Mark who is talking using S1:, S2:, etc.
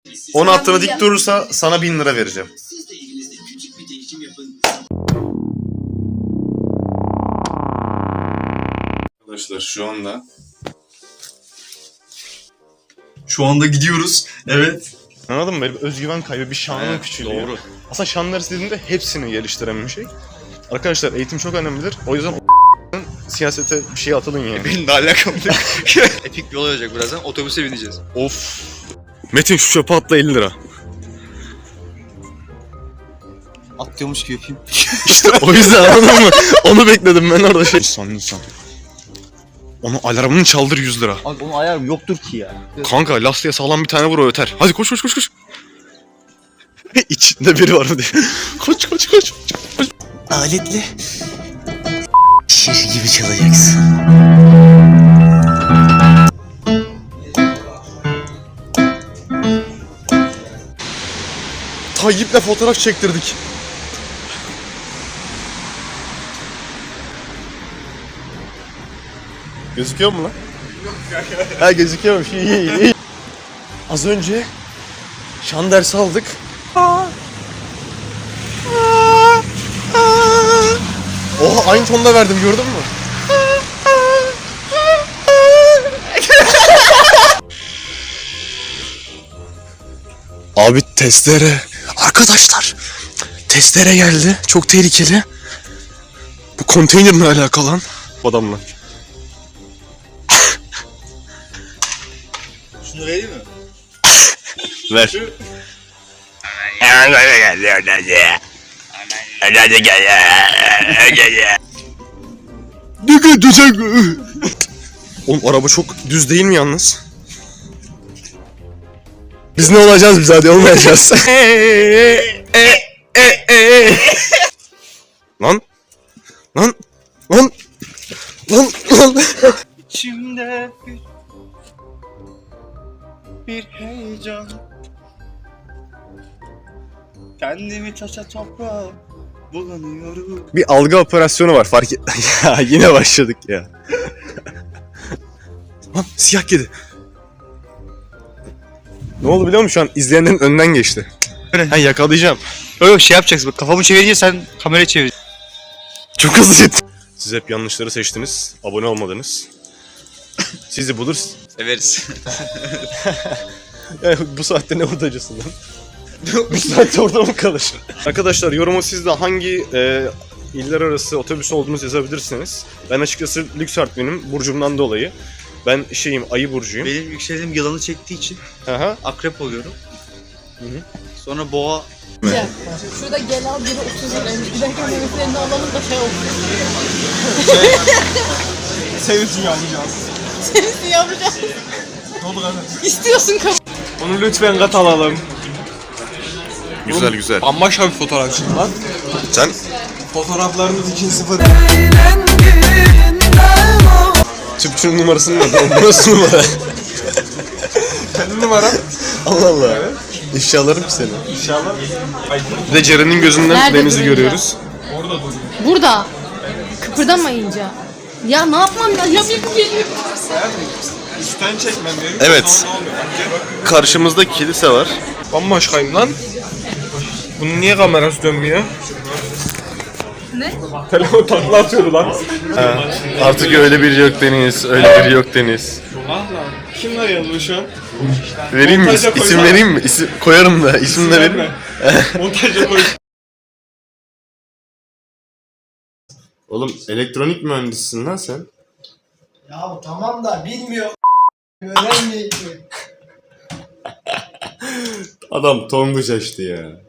S1: 10 attığını dik durursa sana 1000 lira vereceğim. Arkadaşlar şu anda gidiyoruz. Evet. Anladın mı? Böyle bir özgüven kaybı, bir şanın küçülüyor. Doğru. Aslında şanlar istediğinde hepsini geliştiren bir şey. Arkadaşlar eğitim çok önemlidir. O yüzden siyasete bir şey atılın yani.
S2: Benim de alakam yok. Epik bir olay olacak birazdan. Otobüse bineceğiz.
S1: Of. Metin şu çöpe atla 50 lira.
S2: Atlıyormuş gibi yapayım.
S1: İşte o yüzden anladın mı? Onu bekledim ben orada şey. İnsan. Onu alarmını çaldır 100 lira.
S2: Abi onun ayarım yoktur ki ya.
S1: Kanka lastiğe sağlam bir tane vur o öter. Hadi koş. İçinde biri var mı diye. Koş.
S3: Aletle şiş gibi çalacaksın.
S1: Tayyip'le fotoğraf çektirdik. Gözüküyor mu lan? Ha gözüküyormuş. İyi. Az önce şan dersi aldık. Oha aynı tonda verdim gördün mü? Abi testere. Arkadaşlar testere geldi. Çok tehlikeli. Bu konteynerle alakalı lan. Adamla.
S2: Şunu vereyim mi?
S1: Ver. Oğlum araba çok düz değil mi yalnız? Biz ne olacağız biz hadi olmayacağız. Lan.
S2: İçimde bir heyecan. Kendimi taşa toprağa bulanıyorum.
S1: Bir algı operasyonu var fark et. Ya yine başladık ya. Lan siyah kedi. Ne oldu biliyor musun şu an izleyenlerin önünden geçti. Ha yakalayacağım.
S2: Yok şey yapacaksın bak kafamı çevirince sen kamerayı çevir.
S1: Çok hızlı gitti. Siz hep yanlışları seçtiniz. Abone olmadınız. Sizi bulur.
S2: Severiz.
S1: Yani bu saatte ne hurdacısın lan? Bu saatte orada mı kalır? Arkadaşlar yoruma siz de hangi iller arası otobüs olduğunuzu yazabilirsiniz. Ben açıkçası lüks benim burcumdan dolayı. Ben ayı burcuyum.
S2: Benim yükseldiğim yılanı çektiği için
S1: Aha.
S2: akrep oluyorum.
S1: Hı.
S2: Sonra boğa.
S4: Şurada gel al biri 30 liraymış. Giderken yemeklerini alalım da şey olsun.
S5: Senin için yapacağız.
S4: Senin yapacağız.
S5: Ne oldu kardeşim?
S4: İstiyorsun kabul.
S5: Onu lütfen kat alalım.
S1: Güzel.
S5: Bambaşka bir fotoğrafçıyım lan.
S1: Sen?
S5: Fotoğraflarımız 2-0.
S1: Tüpçünün numarasını mı? Burası numara.
S5: Kendi numaram.
S1: Allah Allah. İfşa alırım seni.
S5: İnşallah.
S1: Bir de Ceren'in gözünden
S4: Nerede
S1: denizi
S4: durunca?
S1: görüyoruz.
S5: Orada dur.
S4: Burada. Kıpırdamayınca. Ya ne yapmam lazım? Ya bir
S5: Üstten çekmem gerekiyor.
S1: Evet.
S5: Sonra ne oluyor?
S1: Karşımızda kilise var.
S5: Bambaşkayım lan. Bunun niye kamerası dönmüyor?
S4: Ne?
S5: Telefon takla atıyordu lan.
S1: Artık öyle biri yok Deniz, öyle biri yok Deniz.
S5: Allah. Kimler yazıyor şu an?
S1: Vereyim mi?
S5: Montaja
S1: İsim
S5: koysana.
S1: vereyim mi? İsim koyarım da. İsim de vereyim mi?
S5: Montajda koy.
S1: Oğlum elektronik mühendisisin lan sen.
S6: Ya tamam da bilmiyor. Öğrenmeyecek.
S1: Adam tonguç açtı ya.